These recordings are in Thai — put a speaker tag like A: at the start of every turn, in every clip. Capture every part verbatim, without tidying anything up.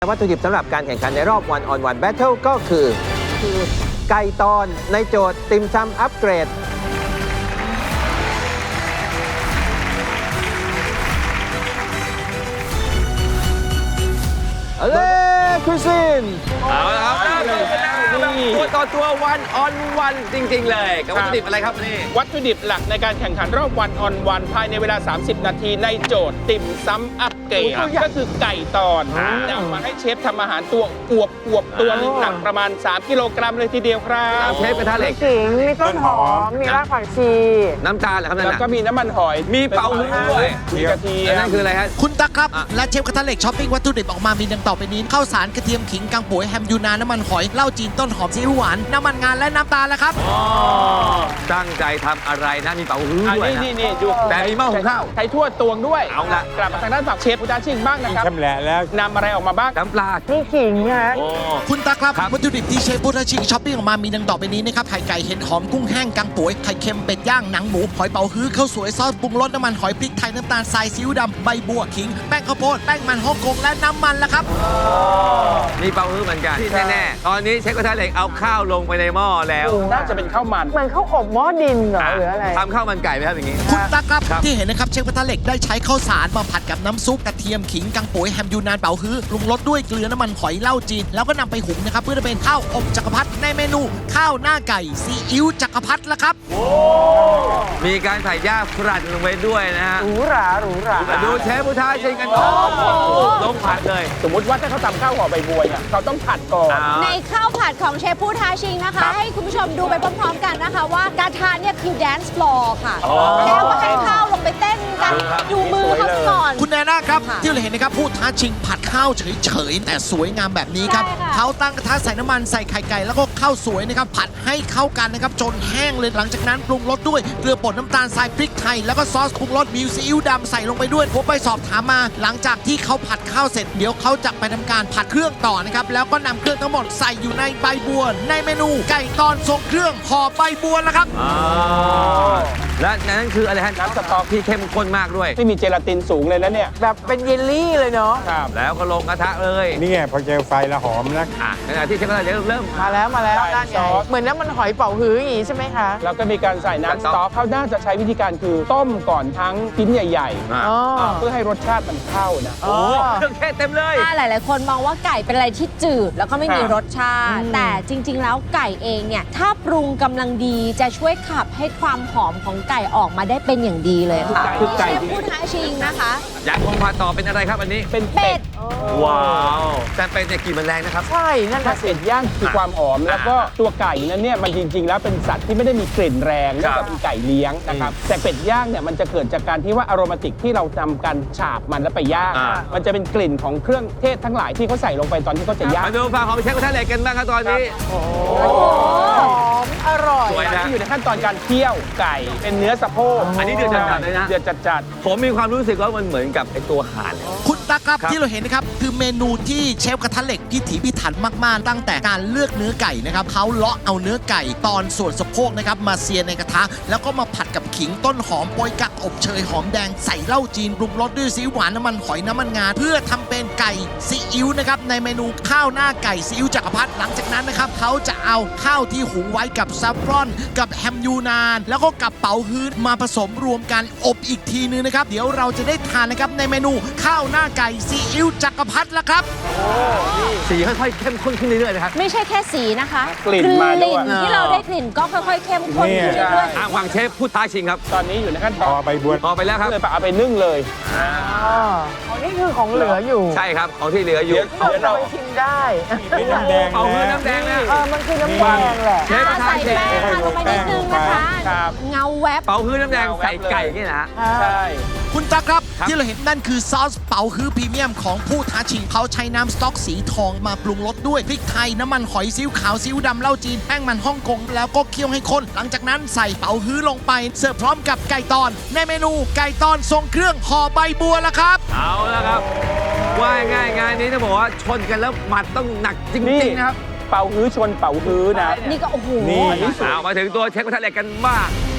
A: วัตถุดิบสำหรับการแข่งขันในรอบ One on One Battle ก็คือคือไก่ตอนในโจทย์ติมซำอัปเกรดเอ้ยคุซิน
B: เอาละครับตัวต่อตัววันออนวันจริงๆเลยกับวัตถุดิบอะไรครับนี่
C: วัตถุดิบหลักในการแข่งขันรอบวันออนวันภายในเวลา สามสิบ นาทีในโจทย์ติ่มซ้ำอัปเกรดก็คือไก่ตอนนำมาให้เชฟทำอาหารตัวอวบอวบตัวนึงหนักประมาณ สาม กิโลกรัมเลยทีเดียวครับ
A: เชฟกระทะเหล็ก
D: ขิงมีต้นหอม มีรากผักชี
A: น้ำตาลเหรอครับนั่น
C: แล้ว
A: น่ะ
C: ก็มีน้ำมันหอย
B: มีเป่าหูด้วย
C: มีกระเทีย
A: แล้ว
C: ม
A: นั่นคืออะไรฮะ
E: คุณตั๊กครับ และเชฟกระทะเหล็กช้อปปิ้งวัตถุดิบออกมามีดังต่อไปนี้ข้าวสารกระเทียมขิงกังป่วยแฮมยูนานน้ำมันหอยเหล้าจีนต้นหอมซีอิ๊วหวานน้ำมันงานและน้ำตาลแล้วครับ
A: ตั้งใจทำอะไรนะมีเป่าหู
C: อัน
A: ด้วย
C: นี้
A: นะ
C: นี่นี่ดู
A: แต่มีหม้อหุงข้าว
C: ใช้ทั่วตวงด้วย
A: เอาละ
C: กลับมาทางด้านฝั่งเชฟพุทธาชิงบ้างนะครับ
F: ชำแหละแล้ว
C: นำอะไรออกมาบ้าง
A: น้ำปลา
D: มีขิงฮะ
E: คุณตั๊กครับ
A: ครับ
E: วัตถุดิบที่เชฟพุทธชิงช้อปปิ้งออกมามีดังต่อไปนี้นะครับไข่ไก่เห็ดหอมกุ้งแห้งกังป่วยไข่เค็มเป็ดย่างหนังหมูหอยเป๋าฮื้อข้าวสวยซอสปรุงรสน้ำมันหอยพริกไทยน้ำตาลทรายซีอิ๊วดำใบบัวขิงแป้งข้าวโพดแป้งมันฮ่องกงและน้ำมันละครับ
A: มีเป่าหูเหมือนกันที่แน่ๆตอนนี้เชฟกระทะเหล็กเอาข้าวลงไปในหม้อแล้ว
C: น่าจะเป็นข้าวมัน
D: เหมือนข้าวอบหม้อดินเหรอหรืออะไร
A: ทำข้าวมันไก่ไหมครับอย่างนี้
E: คุณตั๊กครับ
A: ครับ
E: ที่เห็นนะครับเชฟกระทะเหล็กได้ใช้ข้าวสารมาผัดกับน้ำซุปกระเทียมขิงกังป่วยแฮมยูนานเป๋าฮื้อปรุงรสด้วยเกลือน้ำมันหอยเหล้าจีนแล้วก็นำไปหุงนะครับเพื่อจะเป็นข้าวอบจักรพรรดิในเมนูข้าวหน้าไก่ซีอิ๊วจักรพรรดิละครับ
A: มีการใส่ย่าฝรั่งลงไปด้วยนะฮะ
D: หรูหราหรูหรา
A: มาดูเชฟพุทธาชิงกันครับลงผัดเลย
C: สมมุติว่าถ้าเขาทำข้าวห่อใบบัวเนี่ยเขาต้องผัดก่อน
G: ในข้าวผัดของเชฟผู้ท้าชิงนะคะ ให้คุณผู้ชมดูไปพร้อมๆกันนะคะ ว่ากระทะเนี่ยคือแดนซ์ฟลอร์ค่ะ แล้วก็ให้ข้าวลงไปเต้นกันดูมือเขาซะก่อน
E: คุณแนน่าครับ
G: ค่ะ
E: ที่เราเห็นนะครับผู้ท้าชิงผัดข้าวเฉยๆแต่สวยงามแบบนี้ครับ
G: ใช่ค่ะ
E: เขาตั้งกระทะใส่น้ำมันใส่ไข่ไก่แล้วก็ข้าวสวยนะครับผัดให้เข้ากันนะครับจนแห้งเลยหลังจากนั้นปรุงรสด้วยเกลือป่นน้ำตาลทรายพริกไทยแล้วก็ซอสปรุงรสมิวซีอิ๊วดำใส่ลงไปด้วยผมไปสอบถามมา หลังจากที่เขาผัดข้าวเสร็จเดี๋ยวเขาจะไปทำการผัดเครื่องต่อนะครับแล้วก็นำเครื่องทั้งหมดใส่อยู่ในใบบัว ในเมนูไก่ตอนทรงเครื่องห่อใบบัวแล้วครับ
A: และนั่นคืออะไรฮะน้ำสต๊อกที่เข้มข้นมากด้วย
C: ที่มีเจลาตินสูงเลยแล้วเนี่ย
D: แบบเป็นเยลลี่เลยเนาะ
C: ครับ
A: แล้วก็ลงกระทะเลย
F: นี่ไงพอเจอไฟแล้วหอมนะ
A: อ่ะขณะที่เชฟกระทะเหล็กเริ่ม
D: มาแล้วมาแล้ว
C: ใส่
D: ด้านให
C: ซ
D: ญ่
C: อส
D: เหมือนน้ำมันหอยเป่าฮื้ออย่างงี้ใช่ไหมคะ
C: แล้วก็มีการใส่น้ำสต๊อกเขาน่าจะใช้วิธีการคือต้มก่อนทั้งชิ้นใหญ่
A: อ่ะ
D: อ๋อ
C: ๆ เพื่อให้รสชาติมันเข้านะ
A: โอ้เครื่องเทศเต็มเลย
G: ถ้าหลาย ๆ คนมองว่าไก่เป็นอะไรที่จืด แล้วก็ไม่มี
C: ครับ
G: รสชาติ แต่จริง ๆ แล้วไก่เองเนี่ย ถ้าปรุงกำลังดีจะช่วยขับให้ความหอมของไก่ออกมาได้เป็นอย่างดีเลยค่ะ
C: คือไก่
G: เชฟผู้ท้าชิงนะคะ
A: อยากคงผัดต่อเป็นอะไรครับอันนี้
C: เป็น
G: เป็
C: เป็
G: ด
C: ด
A: ว้าวแต่เป็นเนี่ยกลิ่นมันแรงนะครับ
D: ใช่นั่น
C: ถ้า
D: น่ะสิ
C: เป็ดย่างคือความหอม แล้วก็ตัวไก่นั้นเนี่ยมันจริง ๆ แล้วเป็นสัตว์ที่ไม่ได้มีกลิ่นแรงเนื่องจากเป็นไก่เลี้ยงนะครับแต่เป็ดย่างเนี่ยมันจะเกิดจากการที่ว่าอโรมาติกที่เราทำการฉาบมันแล้วไปย่าง
A: อ่า
C: มันจะเป็นกลิ่นของเครื่องเทศทั้งหลายที่เขาใส่ลงไปตอนที่เขาจะย่าง
A: มาดูฝั่งของเชฟกระทะเหล็กกันบ้างครับตอนนี้
D: หอมอร่อย
A: สวยนะ
C: ที่อยู่ในขั้นตอนการเคี่ยวไก่เป็นเนื้อสะโพก
A: อันนี้เดือดจัดๆเลยนะ
C: เดือดจัด
A: ผมมีความรู้สึกว่ามันเหมือนกับไอตัวห่านเลย
E: คุณตั๊กครับ
A: ครับ
E: ที่เราเห็นนะครับคือเมนูที่เชฟกระทะเหล็กพิถีพิถันมากๆ ตั้งแต่การเลือกเนื้อไก่นะครับเขาเลาะเอาเนื้อไก่ตอนส่วนสะโพกนะครับมาเซียในกระทะ แล้วก็มาผัดกับขิงต้นหอมโปยกักอบเชยหอมแดงใส่เหล้าจีนปรุงรสด้วยซีอิ๊วหวานน้ำมันหอยน้ำมันงาเพื่อทำเป็นไก่ซีอิ๊วนะครับในเมนูข้าวหน้าไก่ซีอิ๊วจักรพรรดิหลังจากนั้นนะครับเขาจะเอาข้าวที่หุงไว้กับซัฟฟรอน กับแฮมยูนาน แล้วก็กับเป๋าฮื้อมาผสมรวมกันอบอีกทีนึงนะครับเดี๋ยวเราจะได้ทานนะครับในเมนูข้าวหน้าไก่ซีอิ๊วจักรพรรดิละครับ
A: สีค่อยๆเข้มข้นขึ้นเรื่อยๆนะครับ
G: ไม่ใช่แค่สีนะคะ
C: กลิ่นมาด้วย
G: กลิ่นที่เราได้กลิ่นก็ค่อย ๆ เข้มข้นขึ้น
F: เนี่ย
G: เรื่อย
A: อ่ะฝั่งเชฟพูดท้าชิงครับ
C: ๆ ตอนนี้อยู่ในขั้นต
F: พ
C: อ
F: อน ใบบัว
A: พอไปแล้วครับ
C: เลยไปเอาไปนึ่งเลย
D: อ๋ออ๋อนี่คือของเหลืออยู่
A: ใช่ครับของที่เหลืออยู่
D: เราจะไปชิมได้
F: เป็นน้ำแดง
A: เอาเงิน
F: นะ
A: น้ำแดงนะ
D: เออมันคือน้ำแดงแหละ
A: เชฟกระทะ
G: ใส่
A: เหล็ก
G: แป้งค่ะลงไปนิดนึงนะคะ
C: ครับ
G: เงาแวบ
A: เป่าฮื้อน้ำแดงใส่ไก่นี่นะฮะ
C: ใช่
E: คุณตั๊กครับ
A: ครับ
E: ที่เราเห็นนั่นคือซอสเป๋าฮื้อพรีเมียมของผู้ท้าชิงเขาใช้น้ำสต๊อกสีทองมาปรุงรสด้วยพริกไทยน้ำมันหอยซีอิ๊วขาวซีอิ๊วดำเหล้าจีนแป้งมันฮ่องกงแล้วก็เคี่ยวให้ข้นหลังจากนั้นใส่เป๋าฮื้อลงไปเสิร์ฟพร้อมกับไก่ตอนในเมนูไก่ตอนทรงเครื่องห่อใบบัวละครับ
A: เอาละครับ ว่าง่ายงานนี้ต้องบอกว่าชนกันแล้วหมัดต้องหนักจริงๆนะครับ
C: เป่าฮื้อชนเป่าฮื้อนะ
G: นี่ก็โอ้โห
F: นี่
C: อันนี้สุด
A: เอามาถึงตัวเชฟกระทะเหล็กกันบ้าง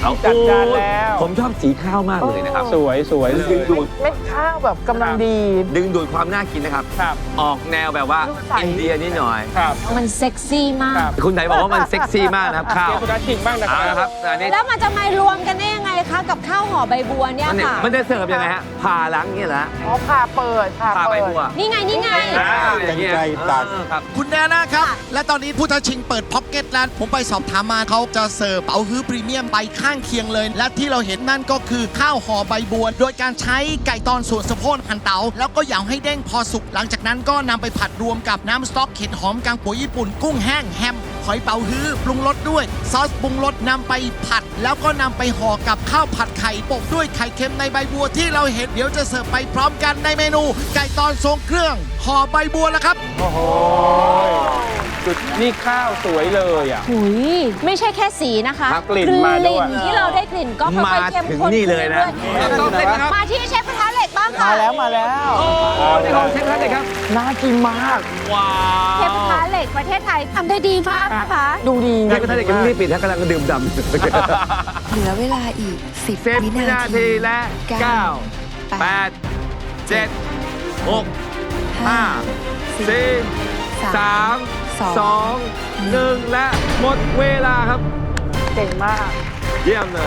B: เอา
C: จัดการแล้ว
B: ผมชอบสีข้าวมากเลยนะครับ
C: สวยสวยเลย
B: ดึงดูด
D: เม็ดข้าวแบบกำลังดี
B: ดึงดูดความน่ากินนะครับ
C: ครับ
B: ออกแนวแบบว่า
D: ดูใส
B: อินเดียนิดหน่อย
C: ครับ
G: มันเซ็กซี่มาก
C: ครับ
B: คุณไหนบอกว่ามันเซ็กซี่มากนะครับข้าว
C: เชฟพุทธชิงบ้างนะค
B: เอา
C: รับ
B: ละครับอันนี้
G: แล้วมันจะมารวมกันได้ยังไงคะกับข้าวห่อใบบัวเนี่ย
B: มันเนี่ย
G: ค่ะ
B: มันจะเสิร์ฟยังไงฮะผ่าหลังนี่เหรอฮะ
D: อ๋อผ่าเปิดผ่า
B: ผ่าใบ
D: เปิด
B: บัว
G: นี่ไงนี่ไง
B: อ่าอย่างเงี้ย
F: กันไกรตัด
B: เออครับ
E: คุณแนน่าครับ และตอนนี้ผู้ท้าชิงเปิดพ็อกเก็ตแล้วผมไปสอบถามมาเขาจะเสิร์ฟเป๋าฮื้อพรีเมียมไปข้างเคียงเลย และที่เราเห็นนั่นก็คือข้าวห่อใบบัว โดยการใช้ไก่ตอนส่วนสะโพกหั่นเตาแล้วก็เหยาให้เด้งพอสุก หลังจากนั้นก็นำไปผัดรวมกับน้ำสต๊อกเห็ดหอมกางปุ๋ยญี่ปุ่นกุ้งแห้งแฮมหอยเป๋าฮื้อปรุงรสด้วย ซอสปรุงรสนำไปผัด แล้วก็นำไปห่อกับข้าวผัดไข่โปะด้วยไข่เค็มในใบบัวที่เราเห็นเดี๋ยวจะเสิร์ฟไปพร้อมกันในเมนู ไก่ตอนทรงเครื่องห่อใบบัวแล้วครับ
C: โอ้โหจุดนี่ข้าวสวยเลยอ่ะ
G: หุยไม่ใช่แค่สีนะคะ
C: ครับกลิ่นมาด้วย
G: กลิ่นที่เราได้กลิ่นก็ค่
B: มา
G: อยๆเข้ม
B: ถึง
G: ข้น
B: นี่เลยนะ
G: ขึ้
B: ต้องเล่นนะครับ
G: มาที่เชฟกระทะเหล็กบ้างค่ะ
D: มาแล้วมาแล้ว
B: โอ้นี่ของเชฟท่านเลยครับ
D: น่ากินมาก
B: ว้า
G: เชฟกระทะเหล็กประเทศไทยทำได้ดีมากนะคะ
D: ดูดี
B: เชฟท่านเลยกำลังรีบปิดท่านกำลังดื่มดำ
H: เหลือเวลาอีก สิบ
B: สิบ
H: วิ
B: วิ
H: นา
B: นา
H: ที
B: ทีและเก้าแปดเจ็ดหกห้าสี่สามสองหนึ่งและหมดเวลาครับ
D: เก่งมาก
B: เยี่ยมเลย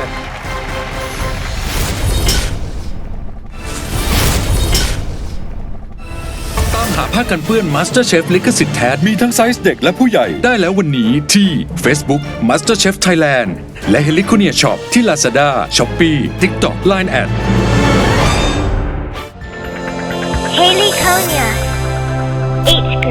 I: ตามหาผ้ากันเปื้อน MasterChef ลิขสิทธิ์แท้ มีทั้งไซส์เด็กและผู้ใหญ่ได้แล้ววันนี้ที่ Facebook MasterChef Thailand และ h e l i c o n i a Shop ที่ Lazada, Shopee, TikTok, ไลน์ แอด
J: Haley Konya. H